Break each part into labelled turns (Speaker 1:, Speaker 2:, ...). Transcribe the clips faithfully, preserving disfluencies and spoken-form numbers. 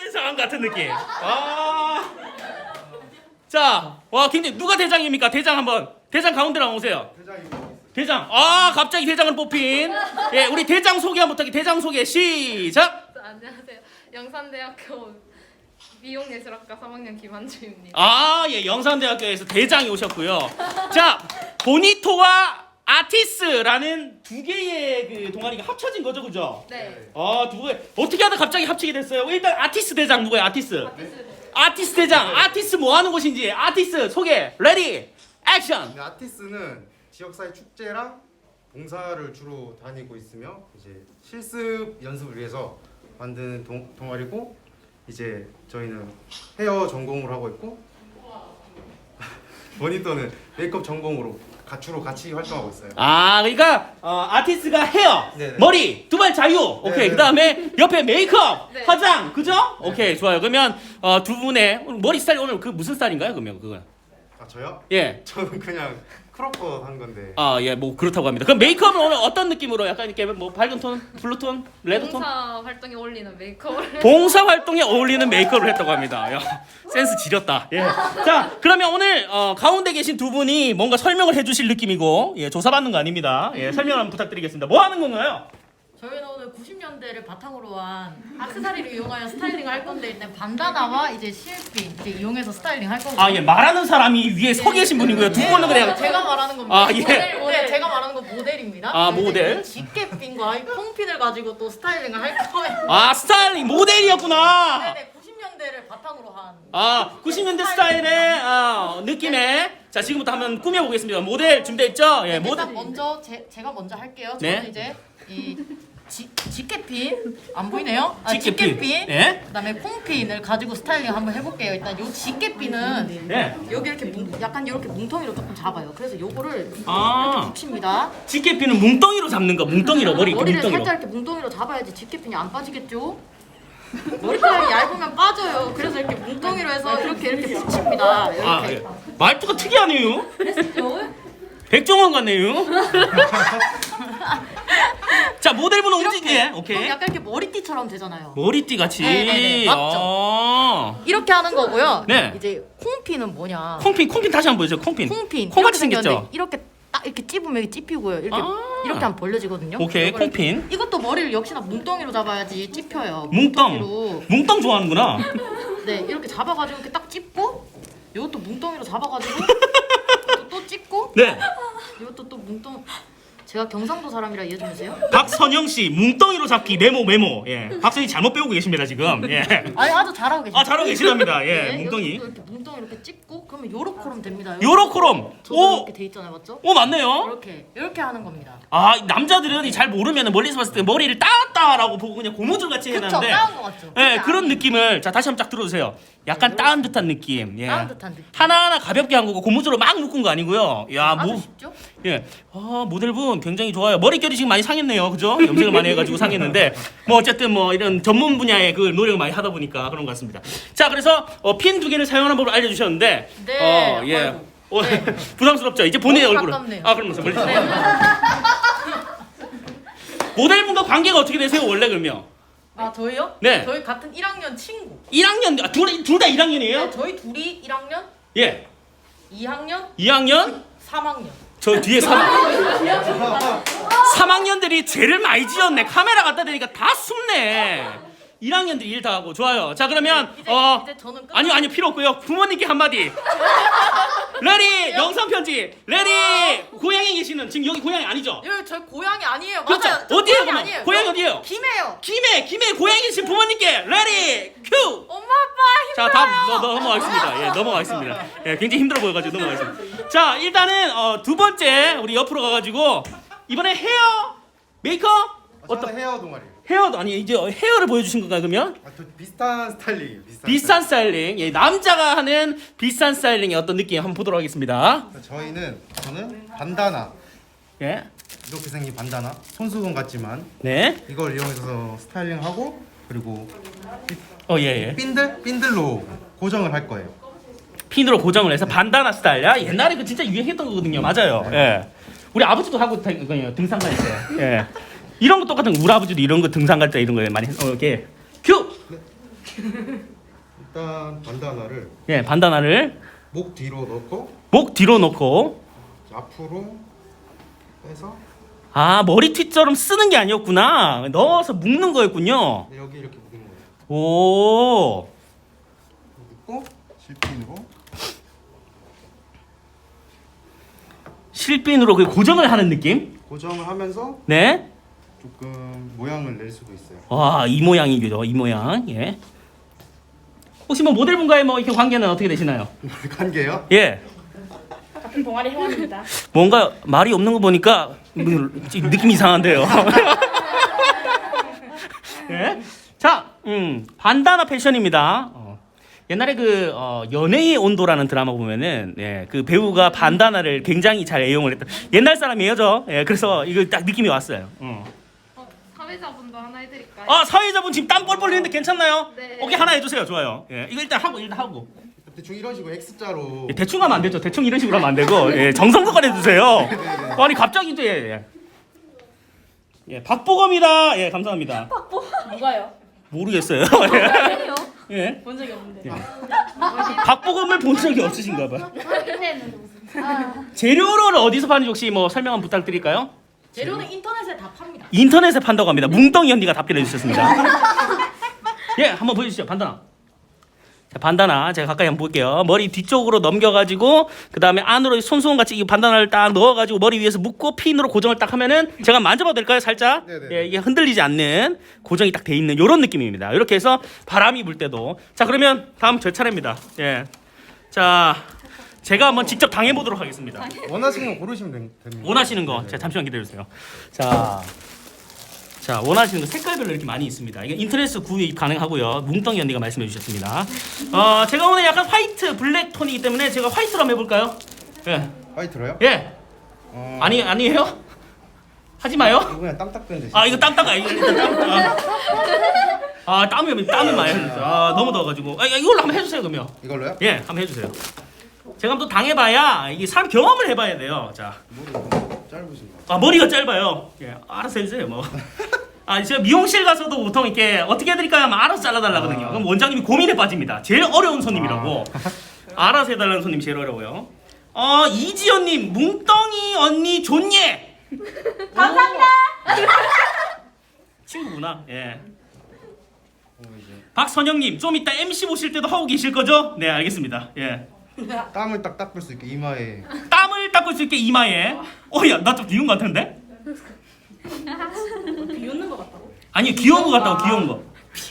Speaker 1: 상황 같은 느낌. 아. 자, 와 굉장히 누가 대장입니까? 대장 한번 대장 가운데로 오세요. 대장. 아 갑자기 대장을 뽑힌. 예, 우리 대장 소개 한번 부탁해. 대장 소개 시작.
Speaker 2: 안녕하세요. 영산대학교 미용예술학과 삼 학년 김한주입니다.
Speaker 1: 아, 예, 영산대학교에서 대장이 오셨고요. 자, 보니토와 아티스라는 두 개의 그 동아리가 합쳐진 거죠, 그죠?
Speaker 2: 네.
Speaker 1: 아, 두 개. 어떻게 하다 갑자기 합치게 됐어요? 일단 아티스 대장 누구예요? 아티스.
Speaker 2: 아티스트.
Speaker 1: 아티스 대장. 아티스 뭐 하는 곳인지. 아티스 소개. 레디. 액션.
Speaker 3: 네, 아티스는 지역사회 축제랑 봉사를 주로 다니고 있으며 이제 실습 연습을 위해서 만드는 동, 동아리고 이제 저희는 헤어 전공으로 하고 있고 모니터는 메이크업 전공으로 가, 주로 같이 활동하고 있어요.
Speaker 1: 아, 그러니까 어, 아티스트가 헤어,
Speaker 3: 네네.
Speaker 1: 머리, 두발 자유. 오케이.
Speaker 3: 네네.
Speaker 1: 그다음에 옆에 메이크업,
Speaker 2: 네.
Speaker 1: 화장. 그죠? 오케이. 좋아요. 그러면 어, 두 분의 머리 스타일 오늘 그 무슨 스타일인가요? 그러면 그거.
Speaker 3: 아 저요?
Speaker 1: 예.
Speaker 3: 저는 그냥 크롭컷 한 건데.
Speaker 1: 아, 예, 뭐 그렇다고 합니다. 그럼 메이크업은 오늘 어떤 느낌으로 약간 이렇게 뭐 밝은 톤, 블루 톤, 레드 톤?
Speaker 2: 봉사 활동에 어울리는 메이크업을
Speaker 1: 봉사 활동에 어울리는 메이크업을 했다고 합니다. 야, 센스 지렸다. 예. 자, 그러면 오늘 어, 가운데 계신 두 분이 뭔가 설명을 해주실 느낌이고, 예, 조사받는 거 아닙니다. 예, 설명 한번 부탁드리겠습니다. 뭐 하는 건가요?
Speaker 4: 저희는 오늘 구십 년대를 바탕으로 한 악세사리를 이용하여 스타일링을 할 건데 일단 반다나와 이제 실핀 이제 이용해서 스타일링 할 거고요.
Speaker 1: 아, 예, 말하는 사람이 위에 서 계신 분이고요. 두 분은 그냥
Speaker 4: 제가 말하는 겁니다.
Speaker 1: 아, 예.
Speaker 4: 모델, 모델 제가 말하는 건 모델입니다.
Speaker 1: 아,
Speaker 4: 이제
Speaker 1: 모델.
Speaker 4: 이 집게핀과 이 콩핀을 가지고 또 스타일링을 할 거예요.
Speaker 1: 아, 스타일링 모델이었구나.
Speaker 4: 네네, 구십 년대를 바탕으로 한.
Speaker 1: 아, 구십 년대 스타일의 아, 느낌의 자, 지금부터 한번 꾸며보겠습니다. 모델 준비됐죠? 예, 모델.
Speaker 4: 일단 먼저 제, 제가 먼저 할게요.
Speaker 1: 네.
Speaker 4: 저는 이제 이 지, 집게핀 안 보이네요? 아,
Speaker 1: 집게핀.
Speaker 4: 집게핀.
Speaker 1: 네.
Speaker 4: 그다음에 콩핀을 가지고 스타일링 한번 해볼게요. 일단 요 집게핀은
Speaker 1: 네.
Speaker 4: 여기 이렇게 뭉, 약간 이렇게 뭉텅이로 조금 잡아요. 그래서 요거를
Speaker 1: 아.
Speaker 4: 이렇게 붙입니다.
Speaker 1: 집게핀은 뭉덩이로 잡는 거. 뭉덩이로 머리 이렇게
Speaker 4: 머리를
Speaker 1: 뭉덩이로.
Speaker 4: 살짝 이렇게 뭉텅이로 잡아야지 집게핀이 안 빠지겠죠? 머리카락이 얇으면 빠져요. 그래서 이렇게 뭉텅이로 해서 이렇게 이렇게 붙입니다. 이렇게.
Speaker 1: 아, 예. 말투가 특이하네요. 백종원 같네요. 자, 모델분은 움직이게.
Speaker 4: 이렇게. 그럼
Speaker 1: 오케이.
Speaker 4: 약간 이렇게 머리띠처럼 되잖아요.
Speaker 1: 머리띠 같이.
Speaker 4: 네네네, 맞죠?
Speaker 1: 아.
Speaker 4: 이렇게 하는 거고요.
Speaker 1: 네.
Speaker 4: 이제 콩핀은 뭐냐?
Speaker 1: 콩핀, 콩핀 다시 한번 보여주세요. 콩핀.
Speaker 4: 콩핀.
Speaker 1: 콩같이
Speaker 4: 이렇게
Speaker 1: 생겼죠?
Speaker 4: 생겼는데 이렇게 딱 이렇게 찝으면 이렇게 찝히고요. 이렇게
Speaker 1: 아.
Speaker 4: 이렇게 하면 벌려지거든요.
Speaker 1: 오케이,
Speaker 4: 이거를
Speaker 1: 콩핀.
Speaker 4: 이것도 머리를 역시나 뭉텅이로 잡아야지 찝혀요.
Speaker 1: 뭉덩.
Speaker 4: 뭉텅이로.
Speaker 1: 뭉덩 좋아하는구나.
Speaker 4: 네, 이렇게 잡아가지고 이렇게 딱 찝고 이것도 뭉텅이로 잡아가지고 이것도 또 찝고
Speaker 1: 네.
Speaker 4: 이것도 또 뭉텅. 제가 경상도 사람이라 이해 좀 해주세요.
Speaker 1: 박선영 씨, 뭉덩이로 잡기 메모 메모. 예. 박선이 잘못 배우고 계십니다, 지금. 예.
Speaker 4: 아니 아주 잘하고 계십니다.
Speaker 1: 아, 잘하고 계시답니다. 예.
Speaker 4: 네,
Speaker 1: 뭉덩이.
Speaker 4: 이것도 이렇게 뭉텅이 이렇게 찝고 그러면 요렇게럼 됩니다.
Speaker 1: 요로코롬.
Speaker 4: 저도
Speaker 1: 오.
Speaker 4: 이렇게 돼 있잖아요, 맞죠?
Speaker 1: 오, 맞네요.
Speaker 4: 이렇게 이렇게 하는 겁니다.
Speaker 1: 아, 남자들은 잘 모르면 멀리서 봤을 때 머리를 따았다라고 보고 그냥 고무줄 같이
Speaker 4: 그쵸?
Speaker 1: 해놨는데
Speaker 4: 따은 거 같죠?
Speaker 1: 예,
Speaker 4: 근데
Speaker 1: 그런
Speaker 4: 아니-
Speaker 1: 느낌을 자 다시 한번 쫙 들어주세요. 약간 따은 듯한 느낌. 예.
Speaker 4: 따은 듯한 느낌.
Speaker 1: 하나하나 가볍게 한 거고 고무줄로 막 묶은 거 아니고요. 야,
Speaker 4: 아주
Speaker 1: 뭐
Speaker 4: 쉽죠?
Speaker 1: 예. 아, 모델분 굉장히 좋아요. 머릿결이 지금 많이 상했네요. 그죠? 염색을 많이 해가지고 상했는데 뭐 어쨌든 뭐 이런 전문 분야의 그 노력을 많이 하다 보니까 그런 것 같습니다. 자, 그래서 어, 핀 두 개를 사용하는 법을 알려주셨는데
Speaker 4: 네,
Speaker 1: 어, 예.
Speaker 4: 아이고.
Speaker 1: 어, 부담스럽죠? 이제 본인의
Speaker 4: 너무
Speaker 1: 얼굴을.
Speaker 4: 가깝네요.
Speaker 1: 아, 그러면서 멀리.
Speaker 4: 네.
Speaker 1: 모델분과 관계가 어떻게 되세요? 원래 그러면?
Speaker 4: 아 저희요?
Speaker 1: 네.
Speaker 4: 저희 같은 일 학년 친구.
Speaker 1: 일 학년 아, 둘둘 다 일 학년이에요?
Speaker 4: 네, 저희 둘이 일 학년,
Speaker 1: 예.
Speaker 4: 이 학년,
Speaker 1: 이 학년?
Speaker 4: 삼 학년.
Speaker 1: 저 뒤에 삼 학년. 삼 학년들이 죄를 많이 지었네. 카메라 갖다 대니까 다 숨네. 일 학년들이 일 다 하고 좋아요. 자, 그러면
Speaker 4: 이제,
Speaker 1: 어
Speaker 4: 이제 저는 끝.
Speaker 1: 아니요, 아니요, 필요 없고요. 부모님께 한마디. 레리 영상 편지. 레리 고향에 계시는 지금 여기 고향이 아니죠?
Speaker 4: 여기 저희 고향이 아니에요.
Speaker 1: 그렇죠.
Speaker 4: 맞아요. 저
Speaker 1: 어디예요,
Speaker 4: 고향이
Speaker 1: 그러면?
Speaker 4: 아니에요.
Speaker 1: 고향이
Speaker 4: 저
Speaker 1: 어디예요?
Speaker 4: 김해요.
Speaker 1: 김해, 김해 고향에 계신 부모님께 레리 큐.
Speaker 4: 엄마 아빠
Speaker 1: 자,
Speaker 4: 힘들어요.
Speaker 1: 다음 너, 너 넘어가겠습니다. 예, 넘어가겠습니다. 예, 굉장히 힘들어 보여가지고 넘어가겠습니다. 자, 일단은 어, 두 번째 우리 옆으로 가가지고 이번에 헤어 메이크업
Speaker 3: 어떤 헤어 동아리.
Speaker 1: 헤어도 아니 이제 헤어를 보여주신 건가요 그러면?
Speaker 3: 아, 또 비슷한 스타일링. 비슷한.
Speaker 1: 비싼 스타일링, 예, 남자가 하는 비싼 스타일링의 어떤 느낌 한번 보도록 하겠습니다.
Speaker 3: 스타일링. 저희는 저는 반다나.
Speaker 1: 예,
Speaker 3: 이렇게 생긴 반다나. 손수건 같지만
Speaker 1: 네,
Speaker 3: 이걸 이용해서 스타일링하고 그리고
Speaker 1: 어, 예, 예.
Speaker 3: 핀들 핀들로 고정을 할 거예요.
Speaker 1: 핀으로 고정을 해서 반다나 스타일. 야, 옛날에 그 진짜 유행했던 거거든요. 맞아요. 예, 우리 아버지도 하고 다니거든요. 등산 갈 때. 예. 이런 거 똑같은 거. 우리 아버지도 이런 거 등산 갈 때 이런 거 많이 했- 어, 이렇게 큐.
Speaker 3: 일단 반다나를
Speaker 1: 예, 반다나를
Speaker 3: 목 뒤로 넣고
Speaker 1: 목 뒤로 놓고
Speaker 3: 앞으로 빼서
Speaker 1: 아 머리띠처럼 쓰는 게 아니었구나. 넣어서 묶는 거였군요.
Speaker 3: 네, 여기 이렇게 묶는 거예요.
Speaker 1: 오.
Speaker 3: 묶고 실핀으로
Speaker 1: 실핀으로 그 고정을 하는 느낌?
Speaker 3: 고정을 하면서
Speaker 1: 네.
Speaker 3: 조금 모양을 낼 수도 있어요.
Speaker 1: 와, 이 모양이죠. 이 모양. 예. 혹시 뭐 모델분과의 뭐 이렇게 관계는 어떻게 되시나요?
Speaker 3: 관계요?
Speaker 1: 예.
Speaker 5: 같은 동아리 회원입니다.
Speaker 1: 뭔가 말이 없는 거 보니까 뭐 지금 느낌 이상한데요. 예? 자, 음, 반다나 패션입니다. 어, 옛날에 그 어, 연애의 온도라는 드라마 보면은 예, 그 배우가 반다나를 굉장히 잘 애용을 했던 옛날 사람이에요, 저. 예, 그래서 이거 딱 느낌이 왔어요. 어.
Speaker 2: 어, 사회자분도 하나 해드릴까요?
Speaker 1: 아, 사회자분 지금 땀 뻘뻘 흘리는데 괜찮나요?
Speaker 2: 네.
Speaker 1: 오케이, 하나 해주세요. 좋아요. 예, 이거 일단 하고 일단 하고.
Speaker 3: 대충 이런 식으로 X자로
Speaker 1: 예, 대충 하면 안 되죠. 대충 이런 식으로 하면 안 되고 예, 정성껏 해주세요. 아니 갑자기 또 예, 예. 예, 박보검이다. 예, 감사합니다.
Speaker 5: 누가요?
Speaker 1: 모르겠어요.
Speaker 5: 아니요.
Speaker 1: 예.
Speaker 5: 본 적이 없는데.
Speaker 1: 박보검을 본 적이 없으신가 봐요.
Speaker 5: 인터넷은 무슨?
Speaker 1: 재료를 어디서 파는지 혹시 뭐 설명 한번 부탁드릴까요?
Speaker 4: 재료는 인터넷에 다 팝니다.
Speaker 1: 인터넷에 판다고 합니다. 뭉덩이 언니가 답변해 주셨습니다. 예, 한번 보여주시죠. 반다나. 자, 반다나 제가 가까이 한번 볼게요. 머리 뒤쪽으로 넘겨가지고 그 다음에 안으로 손수건 같이 이 반다나를 딱 넣어가지고 머리 위에서 묶고 핀으로 고정을 딱 하면은 제가 만져봐도 될까요? 살짝.
Speaker 3: 네네.
Speaker 1: 예, 이게 흔들리지 않는 고정이 딱 돼 있는 이런 느낌입니다. 이렇게 해서 바람이 불 때도 자 그러면 다음 제 차례입니다. 예, 자 제가 한번 직접 당해보도록 하겠습니다.
Speaker 3: 원하시는 거 고르시면 됩- 됩니다.
Speaker 1: 원하시는 거,
Speaker 3: 네네.
Speaker 1: 자 잠시만 기다려주세요. 자, 자 원하시는 거 색깔별로 이렇게 많이 있습니다. 이게 인터넷 구입 가능하고요. 뭉덩이 언니가 말씀해 주셨습니다. 어, 제가 오늘 약간 화이트 블랙 톤이기 때문에 제가 화이트로 한번 해볼까요? 예,
Speaker 3: 화이트로요?
Speaker 1: 예,
Speaker 3: 어,
Speaker 1: 아니 아니에요? 하지 마요.
Speaker 3: 이거 그냥 땅딱 된 대신.
Speaker 1: 아 이거 땀따가 이거 일단 땀. 아, 아 땀이 땀이 많이 흘렸어. 아 너무 더워가지고. 아 이걸로 한번 해주세요 그러면.
Speaker 3: 이걸로요?
Speaker 1: 예, 한번 해주세요. 제가 한번 또 당해봐야 이게 사람 경험을 해봐야 돼요. 자.
Speaker 3: 머리 너무 짧으신가?
Speaker 1: 아 머리가 짧아요. 예, 알아서 해주세요 뭐. 아 제가 미용실 가서도 보통 이렇게 어떻게 해드릴까요 하면 알아서 잘라달라거든요.
Speaker 3: 아.
Speaker 1: 그럼 원장님이 고민에 빠집니다. 제일 어려운 손님이라고. 알아서 해달라는 손님 제일 어려워요. 어 이지연님 뭉덩이 언니 좋예.
Speaker 5: 감사합니다.
Speaker 1: 친구구나. 예.
Speaker 3: 어, 이제
Speaker 1: 박선영님 좀 이따 엠씨 보실 때도 하고 계실 거죠? 네 알겠습니다. 예.
Speaker 3: 땀을 딱 닦을 수 있게 이마에
Speaker 1: 땀을 닦을 수 있게 이마에. 어야 나 좀 비운 것 같은데?
Speaker 5: 비웃는 것 같다고?
Speaker 1: 아니 귀여운 거 같다고 귀여운 거.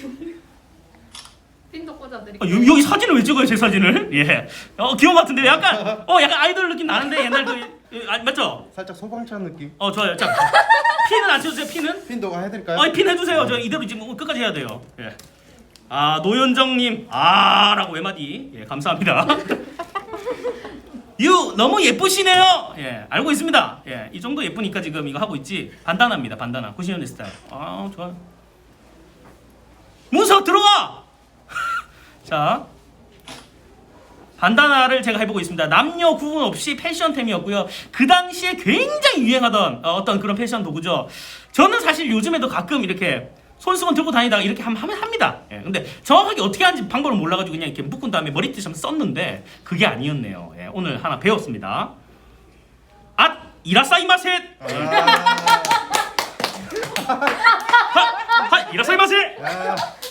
Speaker 2: 핀도
Speaker 1: 아,
Speaker 2: 꽂아드릴게요.
Speaker 1: 여기, 여기 사진을 왜 찍어요 제 사진을? 예. 어 귀여운 것 같은데 약간 어 약간 아이돌 느낌 나는데 옛날 그 아, 맞죠?
Speaker 3: 살짝 소방차 느낌.
Speaker 1: 어 좋아요. 자 핀은 안 쳐주세요 핀은?
Speaker 3: 핀도가 해드릴까요?
Speaker 1: 어 핀 해주세요. 저 이대로 지금 끝까지 해야 돼요. 예. 아 노현정님 아라고 외마디 예 감사합니다. 유 너무 예쁘시네요. 예 알고 있습니다. 예이 정도 예쁘니까 지금 이거 하고 있지. 반다나입니다. 반다나 구십 년대 스타일. 아 좋아. 문석 들어와. 자 반다나를 제가 해보고 있습니다. 남녀 구분 없이 패션템이었고요. 그 당시에 굉장히 유행하던 어, 어떤 그런 패션 도구죠. 저는 사실 요즘에도 가끔 이렇게 손수건 들고 다니다가 이렇게 하면 하면 합니다. 예, 근데 정확하게 어떻게 하는지 방법을 몰라가지고 그냥 이렇게 묶은 다음에 머리띠 좀 썼는데 그게 아니었네요. 예, 오늘 하나 배웠습니다. 아 이라사이마셋. 하 이라사이마셋.
Speaker 3: 아,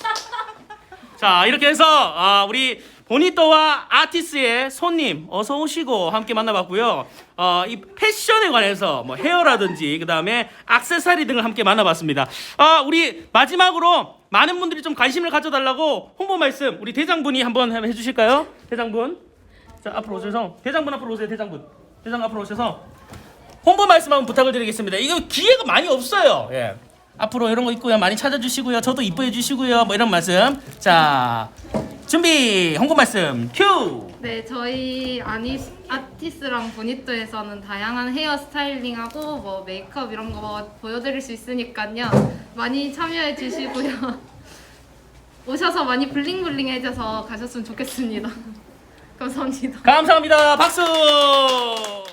Speaker 1: 자 이렇게 해서 아, 우리 보니또와 아티스의 손님 어서 오시고 함께 만나봤고요. 어, 이 패션에 관해서 뭐 헤어라든지 그 다음에 액세서리 등을 함께 만나봤습니다. 아, 우리 마지막으로 많은 분들이 좀 관심을 가져달라고 홍보 말씀 우리 대장분이 한번 해주실까요? 대장분. 자 앞으로 오셔서 대장분 앞으로 오세요. 대장분. 대장 앞으로 오셔서 홍보 말씀 한번 부탁을 드리겠습니다. 이거 기회가 많이 없어요. 예. 앞으로 이런 거 있고요. 많이 찾아주시고요. 저도 이뻐해 주시고요. 뭐 이런 말씀. 자. 준비 홍보 말씀 큐.
Speaker 2: 네, 저희 아니 아티스랑 보니또에서는 다양한 헤어 스타일링하고 뭐 메이크업 이런 거 보여드릴 수 있으니까요. 많이 참여해 주시고요. 오셔서 많이 블링블링 해줘서 가셨으면 좋겠습니다. 감사합니다.
Speaker 1: 감사합니다. 박수.